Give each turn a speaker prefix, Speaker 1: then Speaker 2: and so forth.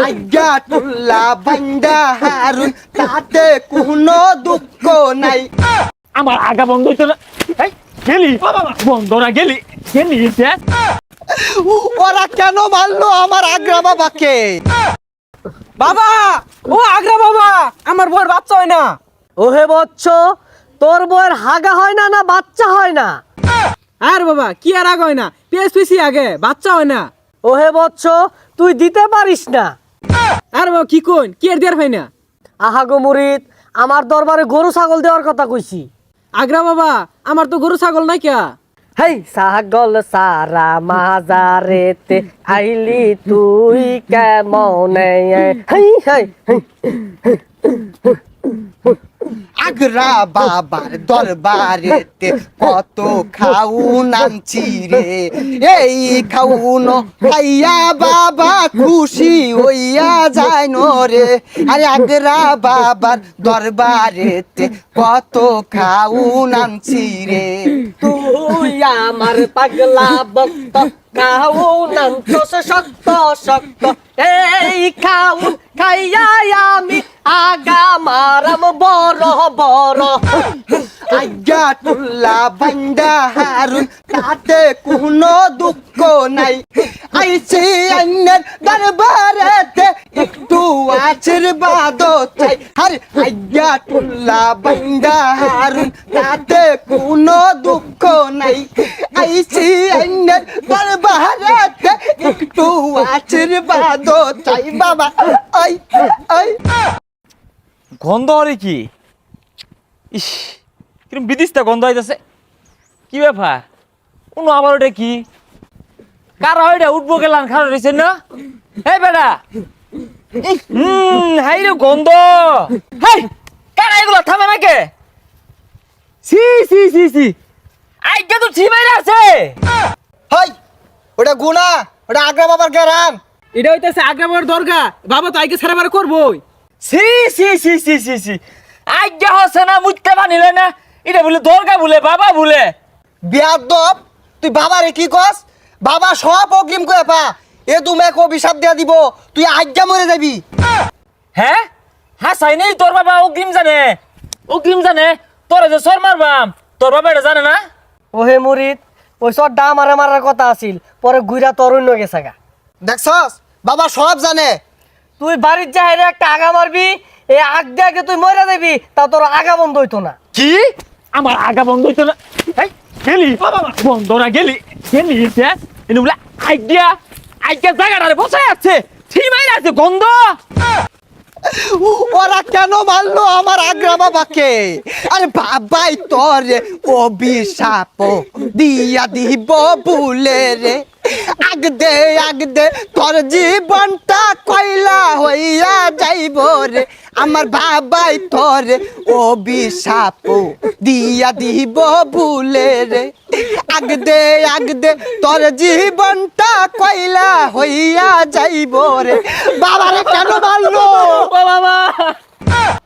Speaker 1: আজ্ঞা টুল্লা বান্দা হারুন তাতে কোনো দুঃখ নাই।
Speaker 2: আমার আগা বন্ধ হইতো না। এই গেলি বন্ধ না গেলি গেলি
Speaker 1: ওরা কেন মারলো আমার আগ্রা বাবাকে?
Speaker 3: বাবা, ও আগ্রা বাবা, আমার বউয়ের বাচ্চা হয় না।
Speaker 4: ওহে বচ্চ, তোর বউয়ের হাগা হয় না, না বাচ্চা হয় না?
Speaker 3: আর বাবা কি আর আগে হয় না, পিএসপিসি আগে বাচ্চা হয় না।
Speaker 4: ওহে বচ্চ, তুই দিতে পারিস না।
Speaker 3: আর বাবা কি কোন, কি আর দেয়ার হয় না?
Speaker 4: আহা গো মুরিদ, আমার দরবারে গরু ছাগল দেওয়ার কথা কইছি।
Speaker 3: আগ্রা বাবা, আমার তো গরু ছাগল নাই কে।
Speaker 4: হেই ছাগল সারা মাজারেতে আইলি তুই কেমনে? হেই হেই
Speaker 1: আগ্রা বাবার দরবারেতে কত খাউন আনছি রে, এই খাউন খাইয়া বাবা খুশি হইয়া যায় রে। আরে আগ্রা বাবার দরবারেতে কত খাউন আনছি রে।
Speaker 4: তুই আমার পাগলা ভক্ত, খাউন আনছস শক্ত শক্ত, এই খাউন খাইয়া আমি আগা মারাম বড় বড়।
Speaker 1: আজ্ঞা টুল্লা বান্দা হারুন তাতে কোনো দুঃখ নাই। আইছি আইনের দরবারেতে একটু আশীর্বাদ চাই। আরে আজ্ঞা টুল্লা বান্দা হারুন তাতে কোনো দুঃখ নাই। আইছি আইনের দরবারেতে একটু আশীর্বাদ চাই বাবা। আই আই
Speaker 2: গন্ধ হরে কি? ইস কিরম বিদিশটা গন্ধ হইতাছে। কি ব্যাপার? কোনো আবার ওটা কি? কারা ওইটা উঠবো গেলাম খারাপ রয়েছে না? এই বেটা, হাই রে গন্ধ। হাই কারা এগুলো থামে নাকি? সি সি সি সি আইগা তো ছিমাইরা আছে।
Speaker 1: হাই ওটা গুনা, ওটা আগ্রা বাবার গেরাম।
Speaker 3: এটা হইতেছে আগ্রা বাবার দরগা, বাবা তো আইকে ছেড়ে বারে করবোই।
Speaker 2: সি সি সি সি সি সি আইগা হচ্ছে না, মুইতে বানিলে না। এটা বলে দরগা বলে বাবা বলে।
Speaker 1: বিয়াদব, তুই বাবারে কি কস? বাবা সব অগ্রিম করে পা, এ তুমি এক অভিশাপ দিয়া দিব, তুই আজ্ঞা মরে যাবি।
Speaker 2: হ্যাঁ হ্যাঁ সাই নেই, তোর বাবা অগ্রিম জানে, অগ্রিম জানে। তোরা যে সর মারবাম, তোর বাবা এটা জানে না?
Speaker 4: ওহে মুরিদ, ওই সরটা আমারে মারার কথা আছিল, পরে গুইরা তরুণ গেছে গা।
Speaker 1: দেখছস বাবা সব জানে।
Speaker 4: তুই বাড়ির যাইরে একটা আগা মারবি, এই আগ দিয়ে আগে তুই মরে যাবি, তা তোর আগা বন্ধ হইতো না।
Speaker 2: কি আমার আগা বন্ধ হইতো না? এই গেলি বন্ধ না গেলি গেলি এনে বলে আইডিয়া আইডিয়া জায়গাটারে বসায় আছে, ঠিমাই আছে গন্ধ।
Speaker 1: ওরা কেন মারলো আমার আগ্রা বাবাকে? আরে বাবাই তোরে অভিশাপ দিয়া দিব ভুলে রে। আগদে তোর জীবনটা কয়লা হইয়া যাইব রে। আমার বাবাই তোরে অভিশাপ দিয়া দিব ভুলে রে। আগদে তোর জীবনটা কয়লা হইয়া যাইব রে। বাবারে কেন মারলো?
Speaker 4: ও বাবা